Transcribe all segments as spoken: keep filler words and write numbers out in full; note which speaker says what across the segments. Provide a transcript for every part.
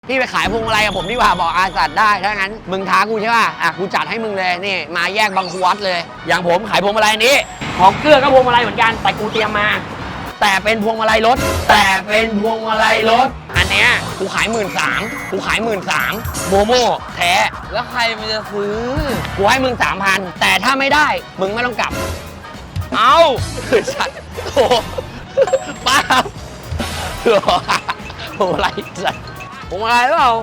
Speaker 1: พี่ไปขายพวงมาลัยกับผมดีกว่าบอกอาจัดได้ถ้างั้นมึงท้ากูใช่ป่ะอ่ะกูจัดให้มึงเลยนี่มาแยกบางควัดเลยอย่างผมขายพวงมาลัยนี้ของเกลือก็พวงมาลัยเหมือนกันแต่กูเตรียมมาแต่เป็นพวงมาลัยรถแต่เป็นพวงมาลัยรถอันเนี้ยกูขายหมื่นสามกูขายหมื่นสามโมโม่แท้
Speaker 2: แล้วใครมันจะซื้อ
Speaker 1: กูให้มึงสามพันแต่ถ้าไม่ได้มึงไม่ต้องกลับ
Speaker 2: เอา
Speaker 1: คือสัตว์โอ้ป้าพวงมาลัยสัตว์
Speaker 2: ผมอะไรเปล่า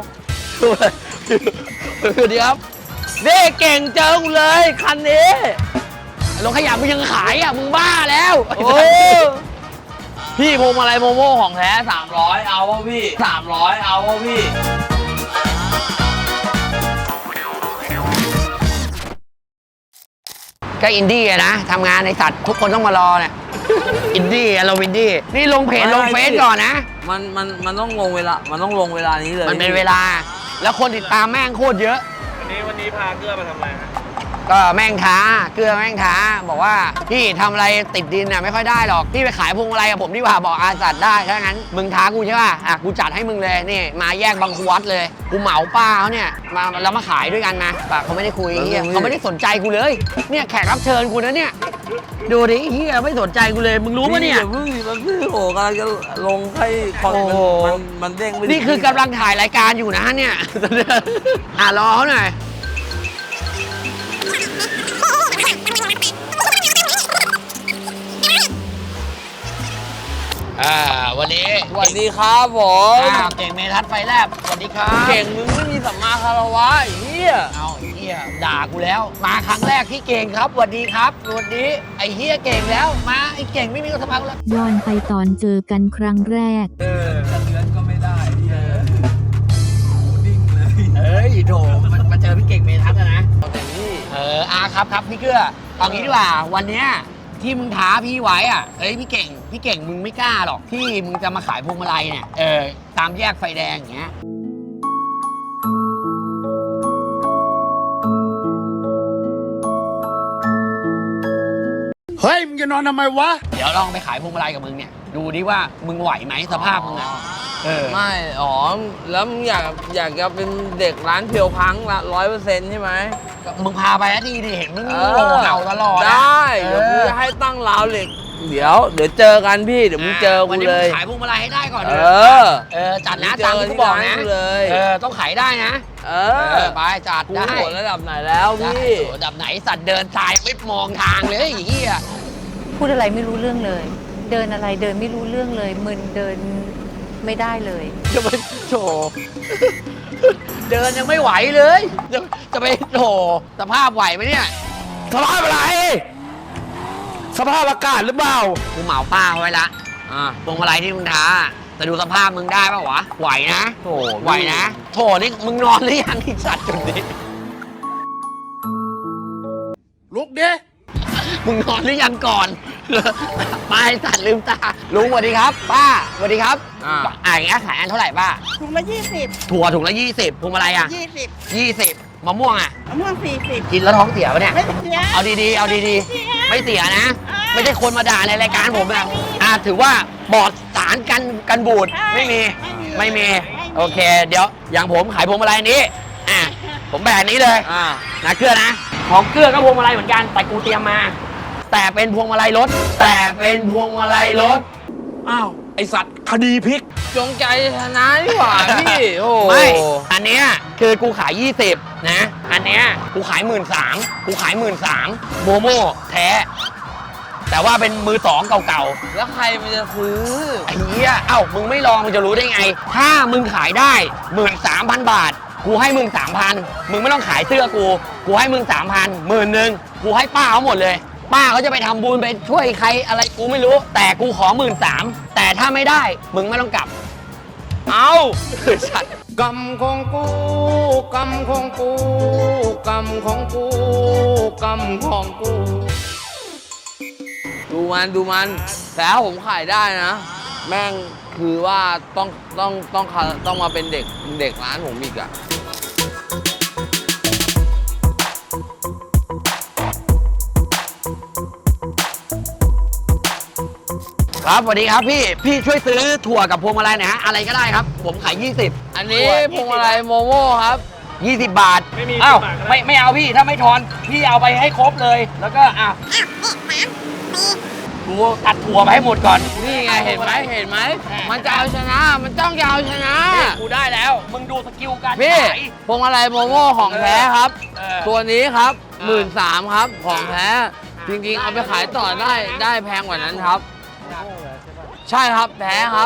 Speaker 1: สวัสดีครับ
Speaker 2: เด้เก่งเจอกูเลยคันนี้
Speaker 1: รถขยะมึงยังขายอ่ะมึงบ้าแล้ว
Speaker 2: โอ้พี่พวงมาลัยโมโม่ของแท้สามร้อยเอาวะพี่สามร้อยเอาวะพี่
Speaker 1: ก็อินดี้นะทำงานในสัตว์ทุกคนต้องมารอเนี่ยอินดี้เราวินดี้นี่ลงเพจลงเฟซก่อนนะ
Speaker 2: มันมันมันต้องลงเวลามันต้องลงเวลานี้เลย
Speaker 1: มันเป็นเวลาแล้วคนติดตามแม่งโคตรเยอะ
Speaker 3: วันนี้วันนี้พาเกลือมาทำอะไรฮะ
Speaker 1: ก็แม่งท้าเกลือแม่งท้าบอกว่าพี่ทำอะไรติดดินน่ะไม่ค่อยได้หรอกพี่ไปขายพวงมาลัยกับผมดีกว่าบอกอาจัดได้ถ้างั้นมึงท้ากูใช่ป่ะอ่ะกูจัดให้มึงเลยนี่มาแยกบางควัดเลยกูเหมาป้าเขาเนี่ยมาแล้วมาขายด้วยกันนะปะเขาไม่ได้คุยเฮียเขาไม่ได้สนใจกูเลยเนี่ยแขกรับเชิญกูนะเนี่ยดูดิเฮียไม่สนใจกูเลยมึงรู้ปะเนี่ย
Speaker 2: เพิ่งมันเพิ่งโหกำลังจะลงให้คนมันมันเด้งไม่
Speaker 1: นี่คือกำลังถ่ายรายการอยู่นะเนี่ยอ่ะรอเขาหน่อยอ่าวันนี้
Speaker 2: สวัสดีครับผม
Speaker 1: เก่งเมทัศน์ไฟแลบสวัสดีครับ
Speaker 2: เก่งมึงไม่มีสัมมาคารวะไอ้เหี้ย
Speaker 1: เอาไอ้เหี้ยด่ากูแล้วมาครั้งแรกที่เก่งครับสวัสดีครับสวัสดีไอ้เหี้ยเก่งแล้วมาไอ้เก่งไม่มีสัมมาคารวะ
Speaker 4: ย้อนไปตอนเจอกันครั้งแรก
Speaker 2: เออจะเลือนก็ไม่ได้เออดิ้งเลย
Speaker 1: เอ้ยโถมันมาเจอพี่เก่งเมทัศน์นะ
Speaker 2: แต่นี่
Speaker 1: เอออาครับครับพี่เกื้อเอางี้ดีกว่าวันเนี้ยที่มึงท้าพี่ไว้อ่ะเอ้ยพี่เก่งพี่เก่งมึงไม่กล้าหรอกที่มึงจะมาขายพวงมาลัยเนี่ยเออตามแยกไฟแดงอย่างเงี้ย
Speaker 3: เฮ้ยมึงจะนอนทำไมวะ
Speaker 1: เดี๋ยวลองไปขายพวงมาลัยกับมึงเนี่ยดูดิว่ามึงไหวไหมสภาพมึงอ่ะ
Speaker 2: เออไม่อ๋อแล้วมึงอยากอยากจะเป็นเด็กร้านเพียวพังละร้อยเปอร์เซ็นต์ใช่ไหม
Speaker 1: มึงพาไปนะดีดิเห็นมึงโง่เห่าตลอด
Speaker 2: ได้เดี๋ยวมึงจะให้ตั้งราวเหล็กเดี๋ยวเดี๋ยวเจอกันพี่เดี๋ยวมึงเจอกูเลย
Speaker 1: ขายพวงมาลัยให้ได้ก่อน
Speaker 2: เออ
Speaker 1: เออจัดนะตามที่กูบอกนะเออต้องขายได้นะ
Speaker 2: เออ
Speaker 1: ไปจัดได้
Speaker 2: กูระดับไหนแล้วพี่
Speaker 1: ระดับไหนสัตว์เดินทรายไม่มองทางเลยไอ้เหี้ย
Speaker 4: พูดอะไรไม่รู้เรื่องเลยเดินอะไรเดินไม่รู้เรื่องเลยมึนเดินไม่ได้เลย
Speaker 1: จะไปโถเดินยังไม่ไหวเลยจะจะไปโถสภาพไหวไหมเนี่ย
Speaker 3: สภาพอะไรสภาพอากาศหรือเปล่า
Speaker 1: กูเหมาป้าไว้ละอ่าพวงมาลัยที่มึงท้าแต่ดูสภาพมึงได้ป่ะวะไหวนะ
Speaker 2: โถ
Speaker 1: ไหวนะโถนี่มึงนอนหรือยังไอ้สัตว์จุดนี้
Speaker 3: ลุกดิ
Speaker 1: มึงนอนหรือยังก่อนป้าไอ้สัตว์ลืมตาลุงสวัสดีครับป้าสวัสดีครับอ่าอ่าอย่างเงี้ยขายอันเท่าไหร่ป้า
Speaker 5: ถุงละยี่สิบ
Speaker 1: ถั่วถุงละยี่สิบพวงมาลัยอ่ะ
Speaker 5: ยี่สิบ
Speaker 1: ยี่สิบมะม่วงอ่ะ
Speaker 5: มะม่วงสี่สิบ
Speaker 1: กินแล้วท้องเสียปะเนี่ย
Speaker 5: ไม่เสีย
Speaker 1: เอาดีๆเอาดีๆไม่เสียนะไม่ใช่คนมาด่าในรายการผมนะอ่าถือว่าปลอดสารกันกันบูดไม่มีไม่มีโอเคเดี๋ยวอย่างผมขายพวงมาลัยนี้อ่ะผมแบบนี้เลยอ่านะเกลือนะของเกลือก็พวงมาลัยเหมือนกันแต่กูเตรียมมาแต่เป็นพวงมาลัยรถแต่เป็นพวงมาลัยรถ
Speaker 3: อ้าวไอสัตว์คดีพลิก
Speaker 2: จงใจชนะดีกว่าพี่โอ้
Speaker 1: ไม่อันเนี้ยคือกูขายยี่สิบนะอันเนี้ยกูขายหมื่นสามกูขายหมื่นสามโมโม่แท้แต่ว่าเป็นมือสองเก่า
Speaker 2: ๆแล้วใครมันจะซื้อ
Speaker 1: ไอ้เหี้ยเอ้ามึงไม่ลองมึงจะรู้ได้ไงถ้ามึงขายได้หมื่นสามพันบาทกูให้มึงสามพันมึงไม่ต้องขายเสื้อกูกูให้มึงสามพันหมื่นหนึ่งกูให้ป้าเขาหมดเลยป้าเขาจะไปทำบุญไปช่วยใครอะไรกูไม่รู้แต่กูขอหมื่นสามแต่ถ้าไม่ได้มึงไม่ต้องกลับ
Speaker 2: เอา
Speaker 1: สัตว์
Speaker 3: กรรมของกูกรรมของกูกรรมของกูกรรมของกู
Speaker 2: ดูมันดูมันแต่ถ้าผมขายได้นะแม่งคือว่าต้องต้องต้องต้องมาเป็นเด็กเด็กร้านผมอีกอะ
Speaker 1: ครับสวัสดีครับพี่พี่ช่วยซื้อถั่วกับพวงมาลัยหน่อยฮะอะไรก็ได้ครับผมขายยี่สิบ
Speaker 2: อันนี้พวงมาลัยโมโม่ครับ
Speaker 1: ยี่สิบบาท
Speaker 5: ไม่มี
Speaker 1: อ้าว
Speaker 5: สิบบาทก็ได้
Speaker 1: ไม่ไม่เอาพี่ถ้าไม่ทอนพี่เอาไปให้ครบเลย แล้วก็อ่ะกูตัดถั่วไปให้หมดก่อน
Speaker 2: นี่ไงเห็นไหมเห็นไหมมันจะเอาชนะ มันต้องจะเอาชนะ
Speaker 1: กูได้แล้ว มึงดูสกิลการ
Speaker 2: พี่
Speaker 1: ขาย
Speaker 2: พวงมาลัยโมโม่ของแท้ครับ
Speaker 1: เออ
Speaker 2: ตัวนี้ครับ
Speaker 1: เอ
Speaker 2: หมื่
Speaker 1: อน
Speaker 2: สามครับของแท้ จริงๆ เอาไปขายต่อได้ได้แพงกว่านั้นครับ ใช่ครับแท้ครับ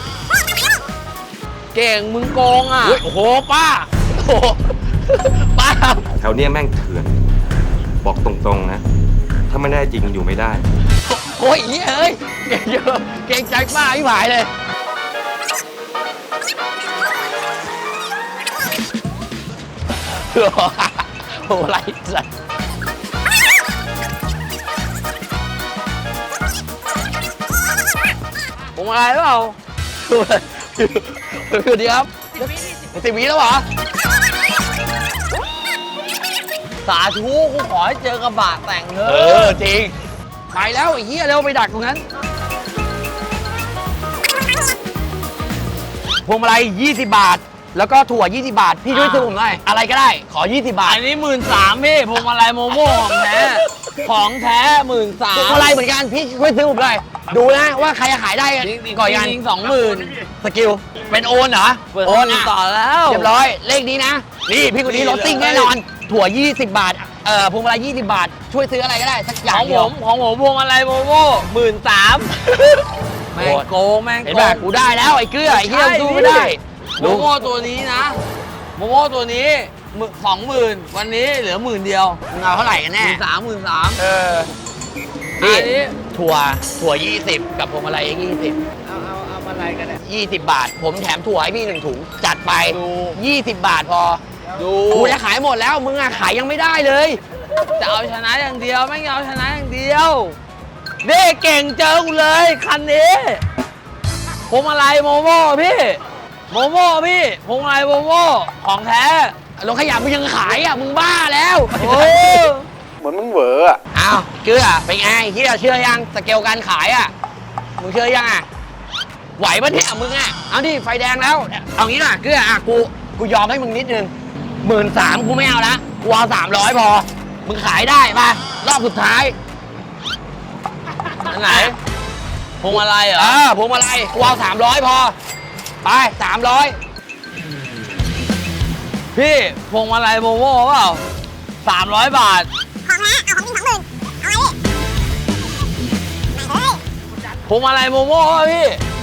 Speaker 2: เก่งมึงโกงอ่ะ
Speaker 1: เฮ้ยโอ้โหป้าโอ้โหป้า
Speaker 6: แถวเนี้ยแม่งเถื่อน บอกตรงๆนะ ถ้าไม่ได้จริงอยู่ไม่ได้
Speaker 1: โอ้ยเหี้ยเอ้ยเก่งเยอะเก่งใจป้าพี่ผายเลยโอ้โหอะไรสัตว์
Speaker 2: ผมอะไรหรือเปล่า
Speaker 1: สวัสดีครับสิบวิแล้วเหรอ
Speaker 2: สาธุกูขอให้เจอกระบะแต่งเถ
Speaker 1: เอ
Speaker 2: อะ
Speaker 1: อ จริง ไปแล้วไอ้เหี้ยเร็วไปดักตรงนั้น พวงมาลัยยี่สิบบาท แล้วก็ถั่วยี่สิบบาท พี่ช่วยซื้อผมหน่อยอะไรก็ได้ ขอยี่สิบบาท
Speaker 2: อันนี้หมื่นสามพี่พวงมาลัยโมโม่ของแท้ ของแท้หมื่นสา
Speaker 1: พว
Speaker 2: ม
Speaker 1: งมาลัยเหมือนกันพี่ช่วยซื้อผมหน่อยดูนะว่าใครจะขายได้
Speaker 2: จริงๆ
Speaker 1: ก่อนกัน
Speaker 2: จริงๆสองหมื่น
Speaker 1: สกิลเป็นโอนเหรอ
Speaker 2: เปิด
Speaker 1: โอ
Speaker 2: โอน น
Speaker 1: อ่ะ
Speaker 2: ต่อแล้ว
Speaker 1: เรียบร้อยเลขนี้นะ นี่พี่คนนี้
Speaker 2: นี่
Speaker 1: รถซิ่ง
Speaker 2: เลย
Speaker 1: แน่นอน ถั่วยี่สิบบาทเอ่อพวงมาลัยยี่สิบบาท ช่วยซื้ออะไรก็ได้สักอ
Speaker 2: ข
Speaker 1: ย่าง
Speaker 2: อง
Speaker 1: เดี
Speaker 2: ผ
Speaker 1: ยว
Speaker 2: มของผมพวงมาลัยโมโม่หมื่นสามแม่งโกงแม่ง
Speaker 1: เห็น
Speaker 2: โก
Speaker 1: ป่ะ
Speaker 2: ง
Speaker 1: กูได้แล้วไอ้เกลือไอ้เหี้ยสู้ไม่ได้
Speaker 2: โมโม่ตัวนี้นะโมโม่ตัวนี้สองหมื่นวันนี้เหลือหมื่นเดียว
Speaker 1: มึงเอาเท่าไหร่กัน
Speaker 2: ห
Speaker 1: แน่
Speaker 2: มื่นสามหมื่นสาม
Speaker 1: เออ
Speaker 2: อั
Speaker 1: นี่
Speaker 2: นนี้
Speaker 1: ถั่วถั่วยี่สิบกับพวงมาลัยยี่สิบ
Speaker 2: เอาเอาเอาอะไรกันเนี่ย
Speaker 1: ยี่สิบบาท ผมแถมถั่วให้พี่หนึ่งถุงจัดไป
Speaker 2: ดู
Speaker 1: ยี่สิบบาทพอ
Speaker 2: ดู
Speaker 1: กูจะขายหมดแล้วมึงอะขายยังไม่ได้เลย
Speaker 2: จะเอาชนะอย่างเดียวไม่เอาชนะอย่างเดียวนี่เก่งเจอกูเลยคันนี้พวงมาลัยโมโม่พี่โมโม่พี่พวงมาลัยโมโม่ของแท้
Speaker 1: รถขยะมึงยังขายอ่ะมึงบ้าแล้ว
Speaker 2: โอ้
Speaker 6: เหมือนมึงเหวออะ
Speaker 1: อ้าวเกลือเป็นไงที่เราเชื่อยังสเกลการขายอ่ะมึงเชื่อยังอ่ะไหวปะเนี่ยมึงอ่ะเอาดิไฟแดงแล้วเอางี้น่ะเกลืออ่ะกูกูยอมให้มึงนิดนึงหมื่นสามกูไม่เอาละกูเอาสามร้อยพอมึงขายได้ปะรอบสุดท้าย
Speaker 2: อันไหนพวงมาลัยเหร
Speaker 1: เอ
Speaker 2: อ
Speaker 1: อพวงมาลัยกูเอาสามร้อยพอไปสามร้อย
Speaker 2: พี่พวงมาลัยโมโม่เปล่าสามร้อยบาท
Speaker 7: ของนะเอาของพี่สองหมื่นเอาไว้ดิ
Speaker 2: พวงมาลัยโมโม่ป่ะพี่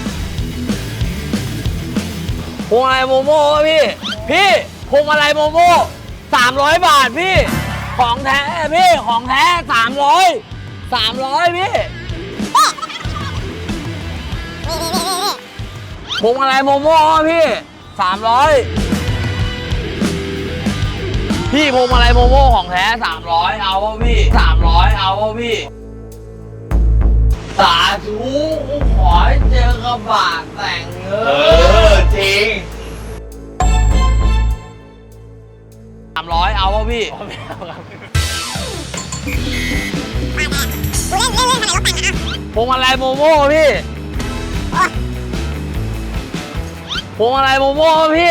Speaker 2: พวงมาลัยโมโม่ป่ะพี่พี่พวงมาลัยโมโม่สามร้อยบาทพี่ของแท้พี่ของแท้สามร้อยสามร้อยพี่
Speaker 7: นี่นี่นี่นี่นี่
Speaker 2: พวงมาลัยโมโม่ป่ะพี่สามร้อยพี่พวงมาลัยโมโม่ของแท้สามร้อยเอาป่ะพี่สามร้อยเอาป่ะพี่สาธุกูขอให้เจอกระบะแต่งเงิน
Speaker 1: จริง
Speaker 2: สามร้อยเอาป่ะพี่
Speaker 7: มาแน่กูเล่นเล่นเล่นขนาดรถแต่งนะ
Speaker 2: พวงมาลัยโมโม่พี่
Speaker 7: อ่ะ
Speaker 2: พวงมาลัยโมโม่พี่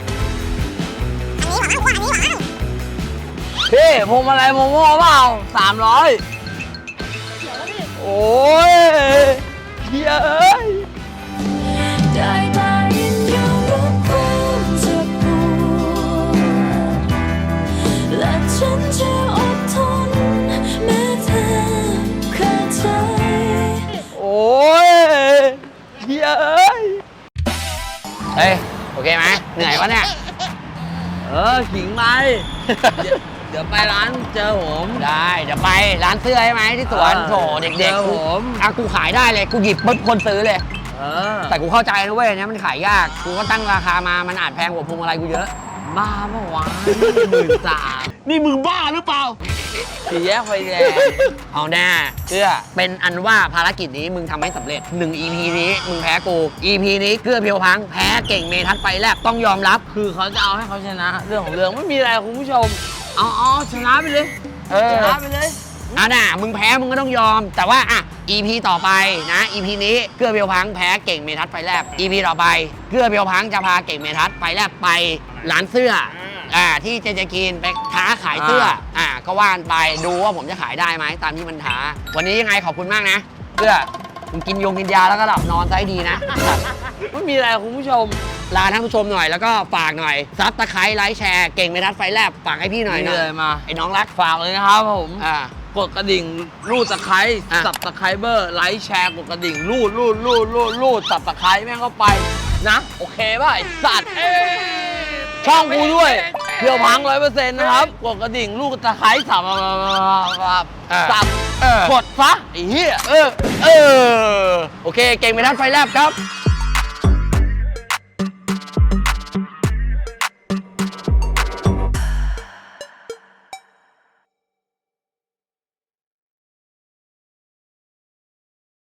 Speaker 7: อันนี้หวังอันนี้หวัง
Speaker 2: พี่พวงมาลัยโมโม่เปล่าสามร้อยโอ้ยเย้ย
Speaker 8: ได้แต่ยินยอมรับความเจ็บปวดและฉันจะอดทนแม้เธอขาดใจ
Speaker 2: โอ้ยเย้ย
Speaker 1: เฮ้ยโอเคไหมเหนื่อยวะเนี่ย
Speaker 2: เออขิงไปเดี๋ยวเดี๋ยวไปร้านเจอผม
Speaker 1: ได้เดี๋ยวไปร้านเสื้อใช่ไหมที่สวน
Speaker 2: เออ
Speaker 1: โถเด็ก
Speaker 2: เจอ
Speaker 1: ๆกู
Speaker 2: ผม
Speaker 1: อ่ะกูขายได้เลยกูหยิบปุ๊บคนซื้อเลย
Speaker 2: เออ
Speaker 1: แต่กูเข้าใจนะเว้ยเนี่ยมันขายยากกูก็ตั้งราคามามันอาจแพงกว่าพวงมาลัยกูเยอะ
Speaker 2: บ้าเมื่อวานหมื่นสาม
Speaker 1: นี่มึงบ้าหรือเปล่า
Speaker 2: สี่แยกไฟแดง
Speaker 1: เอาแน่เกื้อเป็นอันว่าภารกิจนี้มึงทำให้สำเร็จหนึ่ง อี พี นี้มึงแพ้กู อี พี นี้เกื้อเพียวพังแพ้เก่งเมทัศน์ไฟแลบต้องยอมรับ
Speaker 2: คือเขาจะเอาให้เขาชนะ เรื่องของเรื่องไม่มีอะไรคุณผู้ชม เอาเอาชนะไปเลย
Speaker 1: เออ
Speaker 2: ชนะไปเลย
Speaker 1: อ่ะน่ะมึงแพ้มึงก็ต้องยอม แต่ว่าอ่ะอี พี ต่อไปนะ อี พี นี้เกื้อเพียวพังแพ้เก่งเมทัศน์ไฟแลบ อี พี ต่อไปเกื้อเพียวพังจะพาเก่งเมทัศน์ไฟแลบไปร้านเสื้ออ่าที่เจเจกีนไปท้าขายเสื้ออ่าก็ว่านไปดูว่าผมจะขายได้ไหมตามที่มันท้าวันนี้ยังไงขอบคุณมากนะเกื้อมึงกินยงกินยาแล้วก็หลับนอนซะให้ดีนะ
Speaker 2: ไม่มีอะไรคุณผู้ชม
Speaker 1: ลาท่านผู้ชมหน่อยแล้วก็ฝากหน่อยซับตะไคร้ไลค์แชร์เก่งเมทัศน์ไฟแลบฝากให้พี่หน่อย
Speaker 2: นี่
Speaker 1: นะ
Speaker 2: เลยมา
Speaker 1: ไอ้น้องรัก
Speaker 2: ฝากเลยนะครับผม
Speaker 1: อ่า
Speaker 2: กดกระดิ่งรูดตะไคร้
Speaker 1: อ่ะ
Speaker 2: สับตะไคร้เบอร์ไลค์แชร์กดกระดิ่งรูดรูดรูดรูดรูดสับตะไคร้แม่งเข้าไปนะ โอเคป่ะไอ้สัตว์ช่องกูด้วยเพียวพังร้อยเปอร์เซ็นต์นะครับกดกระดิ่งรูดตะไคร้สับสับ
Speaker 1: เออก
Speaker 2: ดซะไอ้เหี้ย
Speaker 1: เออเออโอเคเก่งเมทัศน์ไฟแลบครับ